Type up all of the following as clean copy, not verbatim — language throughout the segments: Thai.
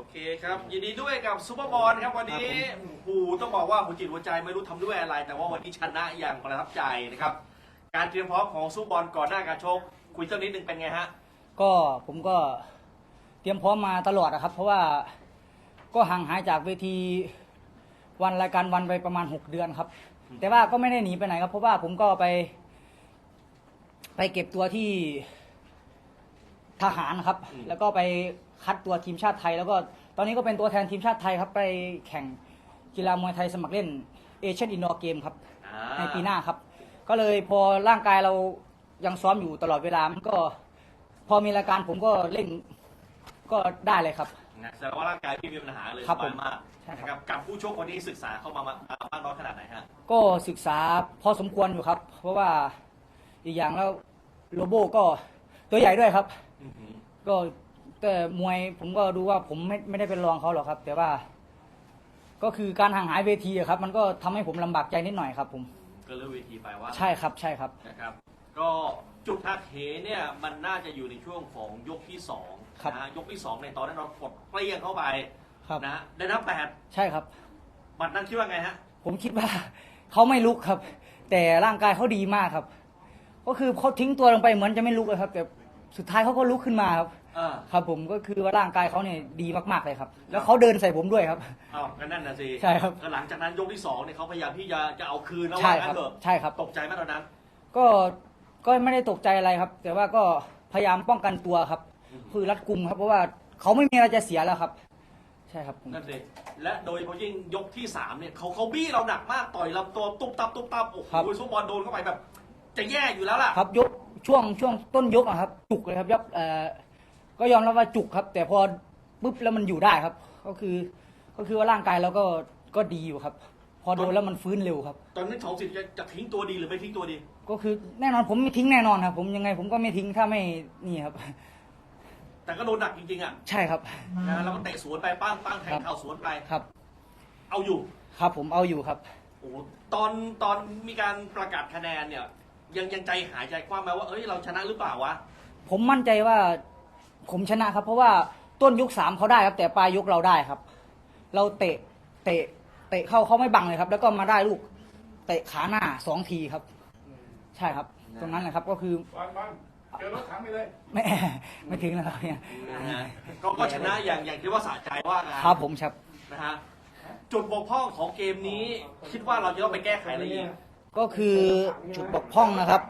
เคครับยินดีด้วยกับซูเปอร์บอลครับวันนี้ต้องบอกว่าหัวจิตหัวใจไม่รู้ทำด้วยอะไร แต่ว่าวันนี้ชนะอย่างประทับใจนะครับการเตรียมพร้อมของซูเปอร์บอลก่อนหน้าการชกคุยสักนิดนึงเป็นไงฮะก็ผมก็เตรียมพร้อมมาตลอดนะครับเพราะว่าก็ห่างหายจากเวทีวันรายการวันไปประมาณ6 เดือนครับแต่ว่าก็ไม่ได้หนีไปไหนครับเพราะว่าผมก็ไปเก็บตัวที่ทหารครับแล้วก็ไปคัดตัวทีมชาติไทยแล้วก็ตอนนี้ก็เป็นตัวแทนทีมชาติไทยครับไปแข่งกีฬามวยไทยสมัครเล่นเอเชียนอินดอร์เกมครับในปีหน้าครับก็เลยพอร่างกายเรายังซ้อมอยู่ตลอดเวลามันก็พอมีรายการผมก็เล่นก็ได้เลยครับแสดงว่าร่างกายพี่มีปัญหาเลยสบายมากนะครับกับผู้ชกวันนี้ศึกษาเข้ามามากน้อยขนาดไหนฮะก็ศึกษาพอสมควรอยู่ครับเพราะว่าอีกอย่างแล้วโลโบก็ตัวใหญ่ด้วยครับก็แต่มวยผมก็ดูว่าผมไม่ได้เป็นรองเขาหรอกครับแต่ว่าก็คือการห่างหายเวทีครับมันก็ทำให้ผมลำบากใจนิดหน่อยครับผมก็เลือกเวทีไปว่าใช่ครับใช่ครับนะครับก็จุดหักเหเนี่ยมันน่าจะอยู่ในช่วงของยกที่2นะยกที่2ในตอนนั้นเรากดเปรี้ยงเข้าไปนะได้นับ8 ใช่ครับบัดนั้นคิดว่าไงฮะผมคิดว่าเขาไม่ลุกครับแต่ร่างกายเขาดีมากครับก็คือเขาทิ้งตัวลงไปเหมือนจะไม่ลุกเลยครับแต่สุดท้ายเขาก็ลุกขึ้นมาครับครับผมก็คือว่าร่างกายเขาเนี่ยดีมากๆเลยครับแล้วเขาเดินใส่ผมด้วยครับอ้าวนั่นน่ะสิใช่ครับหลังจากนั้นยกที่2เนี่ยเขาพยายามที่จะเอาคืนแล้วว่างั้นเถอะใช่ครับตกใจไหมตอนนั้นก็ไม่ได้ตกใจอะไรครับแต่ว่าก็พยายามป้องกันตัวครับคือรัดกุมครับเพราะว่าเขาไม่มีอะไรจะเสียแล้วครับใช่ครับนั่นสิและโดยเฉพาะยิ่งยกที่3เนี่ยเขาบี้เราหนักมากต่อยลำตัวตุ๊บตับโอ้โหซุปบอลโดนเข้าไปแบบจะแย่อยู่แล้วล่ะครับยกช่วงต้นยกอะครับจุกเลยครับก็ยอมรับว่าจุกครับแต่พอปุ๊บแล้วมันอยู่ได้ครับก็คือว่าร่างกายเราก็ดีอยู่ครับพอโดนแล้วมันฟื้นเร็วครับตอนนั้นของสิทธิ์จะทิ้งตัวดีหรือไม่ทิ้งตัวดีก็คือแน่นอนผมไม่ทิ้งแน่นอนครับผมยังไงผมก็ไม่ทิ้งถ้าไม่นี่ครับแต่ก็โดนหนักจริงๆอ่ะใช่ครับนะแล้วก็เตะสวนไปปั้งแทงเข่าสวนไปครับเอาอยู่ครับผมเอาอยู่ครับโอ้ตอนมีการประกาศคะแนนเนี่ยยังใจหายใจคว่ำไหมว่าเอ้ยเราชนะหรือเปล่าวะผมมั่นใจว่าผมชนะครับเพราะว่าต้นยก3เขาได้ครับแต่ปลายยกเราได้ครับเราเตะเขาไม่บังเลยครับแล้วก็มาได้ลูกเตะขาหน้า2 ทีครับใช่ครับตรงนั้นแหละครับก็คือเจอรถถังไปเลยไม่ถึงแล้วครับเนี่ยก็ชนะอย่างที่ว่าสะใจว่าครับผมครับนะฮะจุดบกพร่องของเกมนี้คิดว่าเราจะต้องไปแก้ไขอะไรอีกก็คือจุดบกพร่องนะครับ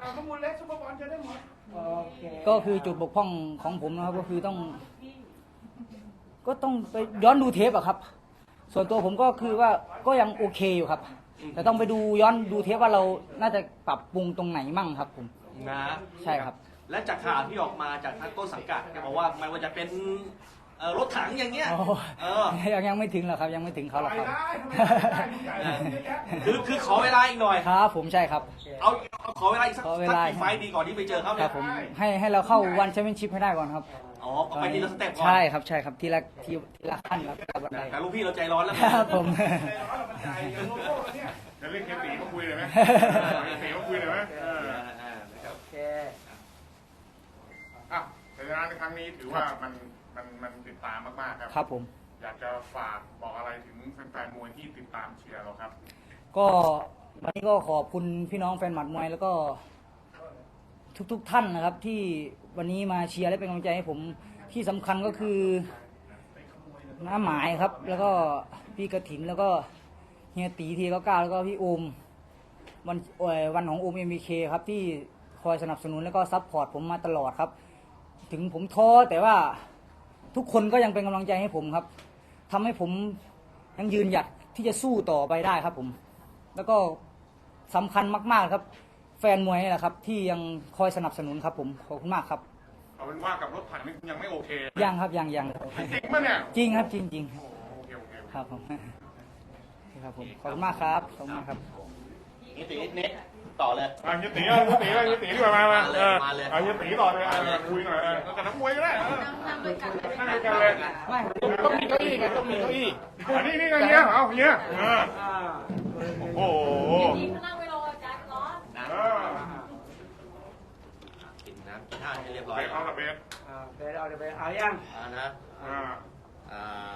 ก็คือจุดบกพร่องของผมนะครับก็คือต้องไปย้อนดูเทปอะครับส่วนตัวผมก็คือว่าก็ยังโอเคอยู่ครับแต่ต้องไปย้อนดูเทปว่าเราน่าจะปรับปรุงตรงไหนมั่งครับผมนะใช่ครับและจากข่าวที่ออกมาจากทางต้นสังกัดแกบอกว่าไม่ว่าจะเป็นรถถังอย่างเงี้ยยังไม่ถึงหรอกครับยังไม่ถึงเขาหรอกครับคือขอเวลาอีกหน่อยครับผมใช่ครับเอาขอเวลาอีกสักกี่ไฟดีก่อนที่ไปเจอเขาเนี่ยผมให้เราเข้าวันแชมเปี้ยนชิพให้ได้ก่อนครับอ๋อไปทีละสเต็ปก่อนใช่ครับทีละขั้นครับแต่ลูกพี่เราใจร้อนแล้วครับผมจะเล่นเคปีก็คุยเลยไหมเคปีก็คุยเลยไหมโอเคแต่งานในครั้งนี้ถือว่ามันติดตามมากๆครับครับผมอยากจะฝากบอกอะไรถึงแฟนๆมวยที่ติดตามเชียร์เราครับก็วันนี้ก็ขอบคุณพี่น้องแฟนหมัดมวยแล้วก็ทุกท่านนะครับที่วันนี้มาเชียร์และเป็นกำลังใจให้ผมที่สำคัญก็คือน้าหมายครับแล้วก็พี่กระถินแล้วก็เฮียตีที99แล้วก็พี่โอมวันของโอมMBKครับที่คอยสนับสนุนแล้วก็ซัพพอร์ตผมมาตลอดครับถึงผมท้อแต่ว่าทุกคนก็ยังเป็นกำลังใจให้ผมครับทำให้ผมยังยืนหยัดที่จะสู้ต่อไปได้ครับผมแล้วก็สำคัญมากๆครับแฟนมวยนี่แหละครับที่ยังคอยสนับสนุนครับผมขอบคุณมากครับเอาเป็นว่ากับรถถังนี่ยังไม่โอเคยังครับยังจริงมั้ยเนี่ยจริงครับจริงครับผมครับผมขอบคุณมากครับขอบคุณมากครับนิดต่อเลยยุติดีกว่ามายุติต่อเลยคุยหน่อยกับนักมวยก็ได้นั่งกันเลยต้องมีเก้าอี้ไงต้องมีเก้าอี้นี่ไงเนี่ยเอาเนี่ยโอ้โหนั่งไปรออาจารย์ร้อนกินน้ำกินท่าให้เรียบร้อยเอาละเบสเอายังนะ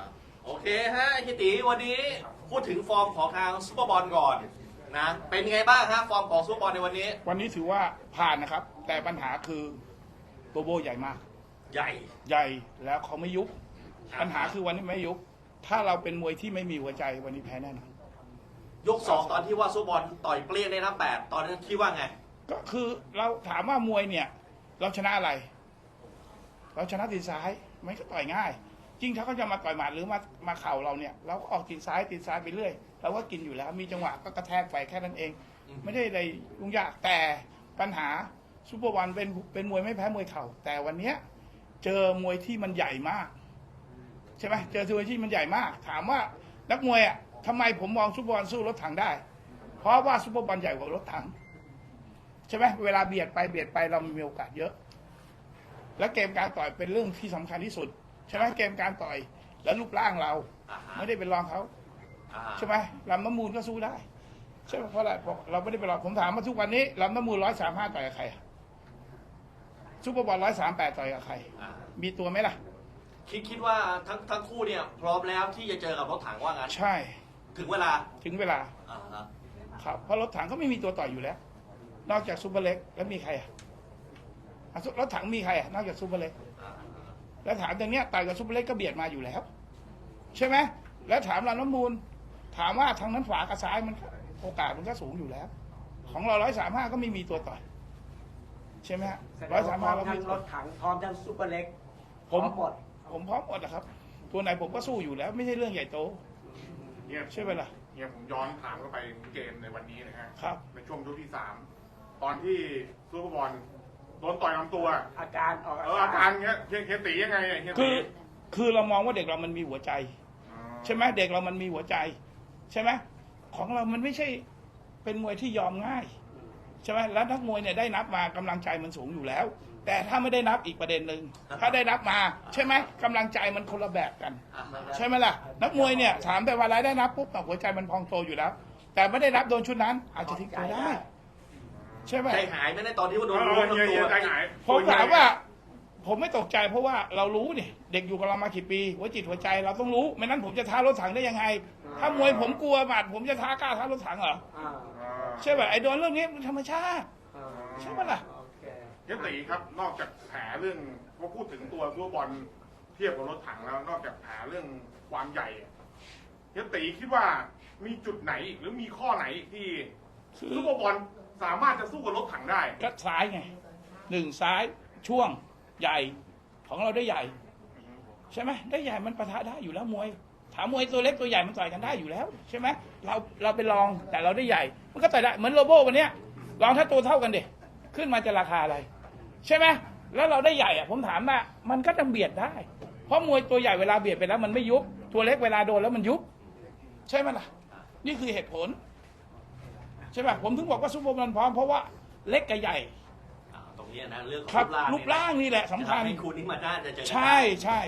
โอเคฮะฮิติวันนี้พูดถึงฟอร์มของทางซุปเปอร์บอลก่อนนะเป็นไงบ้างฮะฟอร์มของซุปเปอร์บอลในวันนี้วันนี้ถือว่าผ่านนะครับ แต่ปัญหาคือโบโบใหญ่มากใหญ่ใหญ่แล้วเขาไม่ยุบปัญหาคือวันนี้ไม่ยุบถ้าเราเป็นมวยที่ไม่มีหัวใจวันนี้แพ้แน่นอนยก 2ตอนที่ว่าซุปเปอร์บอลต่อยเปรี้ยงในนับ8ตอนนั้นคิดว่าไงก็คือเราถามว่ามวยเนี่ย เราชนะอะไร เราชนะตีนซ้ายมันก็ต่อยง่าย จริงถ้าเขาจะมาต่อยหมัดหรือมาเข่าเราเนี่ย เราก็ออกตีนซ้ายไปเรื่อยเราก็กินอยู่แล้ว มีจังหวะก็กระแทกไปแค่นั้นเอง ไม่ได้อะไรยุ่งยากแต่ปัญหาซุปเปอร์วันเป็นมวยไม่แพ้มวยเข่าแต่วันเนี้ยเจอมวยที่มันใหญ่มากใช่ไหมเจอมวยที่มันใหญ่มาก ถามว่านักมวยอ่ะทำไมผมมองซุปเปอร์วันสู้รถถังได้ เพราะว่าซุปเปอร์วันใหญ่กว่ารถถังใช่ไหมเวลาเบียดไปเรามีโอกาสเยอะ และเกมการต่อยเป็นเรื่องที่สำคัญที่สุดใช่ไหมเกมการต่อยและรูปร่างเรา ไม่ได้เป็นรองเขาใช่ไหมลำน้ำมูลก็สู้ได้ใช่ไหมเพราะอะไรเพราะเราไม่ได้เป็นรองผมถามว่าทุกวันนี้ลำน้ำมูล135ต่อยกับใครซุปเปอร์บอล138ต่อยกับใครมีตัวไหมล่ะคิดว่าทั้งคู่เนี่ยพร้อมแล้วที่จะเจอกับรถถังว่างั้นใช่ถึงเวลาครับเพราะรถถังก็ไม่มีตัวต่อยอยู่แล้ว นอกจากซูเปอร์เล็กแล้วมีใครรถถังมีใครนอกจากซูเปอร์เล็กแล้วถามตรงเนี้ยต่อยกับซูเปอร์เล็กก็เบียดมาอยู่แล้วใช่ไหมแล้วถามลำน้ำมูลถามว่าทางนั้นขวากับซ้ายมันโอกาสมันก็สูงอยู่แล้ว ของเรา135ก็ไม่มีตัวต่อยใช่ไหมฮะ135เราไม่มีรถถังพร้อมทั้งซุปเปอร์เล็กผมพร้อมหมดนะครับ ตัวไหนผมก็สู้อยู่แล้ว ไม่ใช่เรื่องใหญ่โตเนี่ยใช่ไหมล่ะเนี่ยผมย้อนถามเข้าไปถึงเกมในวันนี้นะฮะครับในช่วงยกที่ 3 ตอนที่ซูเปอร์บอลโดนต่อยลำตัวอาการออกอาการเงี้ยเฮียตียังไงเนี่ยเฮียตีคือเรามองว่าเด็กเรามันมีหัวใจอ๋อใช่ไหมเด็กเรามันมีหัวใจ ใช่ไหมของเรามันไม่ใช่เป็นมวยที่ยอมง่ายใช่ไหมแล้วนักมวยเนี่ยได้นับมากำลังใจมันสูงอยู่แล้ว แต่ถ้าไม่ได้นับอีกประเด็นหนึ่งถ้าได้นับมาใช่ไหมกำลังใจมันคนละแบบกัน ใช่ไหมล่ะนักมวยเนี่ยถามแต่ว่าอะไรได้นับปุ๊บหัวใจมันพองโตอยู่แล้ว แต่ไม่ได้นับโดนชุดนั้น อาจจะทิ้งตัวได้ ใช่ไหมใจหายไหมในตอนที่ว่าโดนเอรู้อทั้งเฮียตัวใจหายผมถามว่าผมไม่ตกใจเพราะว่าเรารู้เนี่ยเด็กอยู่กับเรามากี่ปีหัวจิตหัวใจเราต้องรู้ไม่นั้นผมจะท้ารถถังได้ยังไง ถ้ามวยผมกลัวบาดผมจะท้ากล้าท้ารถถังเหรออ่าใช่ไหมไอ้โดนเรื่องนี้มันธรรมชาติอ่าใช่ไหมล่ะโอเคเฮียตีครับ นอกจากแผลเรื่องว่าพูดถึงตัวซูเปอร์บอลเทียบกับรถถังแล้ว นอกจากแผลเรื่องความใหญ่เฮียตีคิดว่ามีจุดไหนอีกหรือมีข้อไหนอีกที่ซูเปอร์บอลสามารถจะสู้กับรถถังได้ก็ซ้ายไงหนึ่งซ้ายช่วงใหญ่ของเราได้ใหญ่ ใช่ไหมได้ใหญ่มันปะทะได้อยู่แล้วมวยถามมวยตัวเล็กตัวใหญ่มันต่อยกันได้อยู่แล้วใช่ไหมเราเป็นรองแต่เราได้ใหญ่ มันก็ต่อยได้เหมือนโลโบวันเนี้ยรองถ้าตัวเท่ากันเด็ขึ้นมาจะราคาอะไร ใช่ไหมแล้วเราได้ใหญ่อะผมถามว่ามันก็จะเบียดได้ เพราะมวยตัวใหญ่เวลาเบียดไปแล้วมันไม่ยุบตัวเล็กเวลาโดนแล้วมันยุบใช่ไหมล่ะนี่คือเหตุผลใช่ไหมผมถึงบอกว่าซุปเปอร์มันพร้อมเพราะว่าเล็กกับใหญ่ตรงนี้นะเรื่องของครับรูรูปปร่าร่าง งนี่แหละสำคัญให้คู่นี้มาน่าจะเจอกันใช่ใช่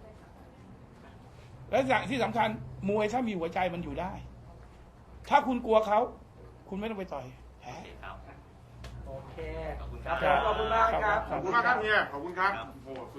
และอย่างที่สำคัญมวยถ้ามีหัวใจมันอยู่ได้ ถ้าคุณกลัวเขาคุณไม่ต้องไปต่อยแพ้ครับโอเคขอบคุณคครัรับ บผมขอบคุณมากครับขอบคุณมากครับเฮียขอบคุณครับครับโอ้โห